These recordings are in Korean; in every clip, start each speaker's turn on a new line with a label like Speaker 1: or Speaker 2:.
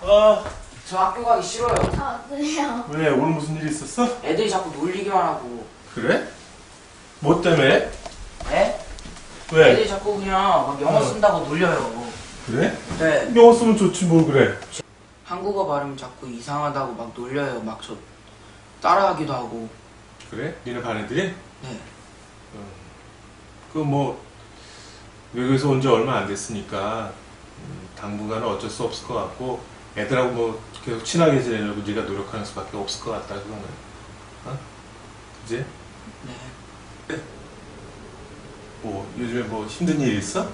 Speaker 1: 저 학교 가기 싫어요.
Speaker 2: 아, 그래요.
Speaker 3: 왜? 오늘 무슨 일 있었어?
Speaker 1: 애들이 자꾸 놀리기만 하고.
Speaker 3: 그래? 뭐 때문에?
Speaker 1: 네?
Speaker 3: 왜?
Speaker 1: 애들이 자꾸 그냥 막 영어 쓴다고 놀려요.
Speaker 3: 그래?
Speaker 1: 네.
Speaker 3: 영어 쓰면 좋지 뭘 그래.
Speaker 1: 한국어 발음이 자꾸 이상하다고 막 놀려요. 막 저 따라하기도 하고.
Speaker 3: 그래? 니네 반 애들이?
Speaker 1: 네.
Speaker 3: 그 뭐 외국에서 온 지 얼마 안 됐으니까 당분간은 어쩔 수 없을 것 같고 애들하고 뭐 계속 친하게 지내려고 네가 노력하는 수밖에 없을 것 같다 그거는. 어? 그지?
Speaker 1: 네.
Speaker 3: 뭐 요즘에 뭐 힘든 일 있어?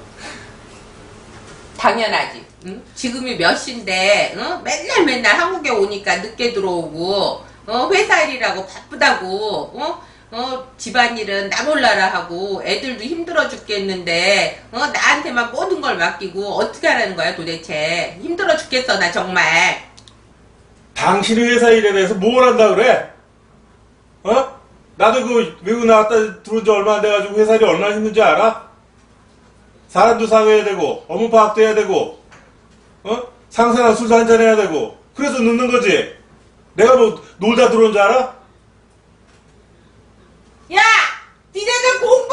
Speaker 4: 당연하지. 응? 지금이 몇 시인데 응? 맨날 한국에 오니까 늦게 들어오고 회사 일이라고 바쁘다고 집안일은 나 몰라라 하고 애들도 힘들어 죽겠는데 나한테만 모든 걸 맡기고 어떻게 하라는 거야 도대체. 힘들어 죽겠어 나 정말.
Speaker 3: 당신이 회사 일에 대해서 뭘 한다 그래? 어? 나도 그 외국 나갔다 들어온 지 얼마 안 돼가지고 회사 일이 얼마나 힘든지 알아? 사람도 사귀어야 되고 업무 파악도 해야 되고 상사랑 술도 한잔 해야 되고 그래서 늦는 거지. 내가 뭐 놀다 들어온 줄 알아?
Speaker 4: 야! 니네들 공부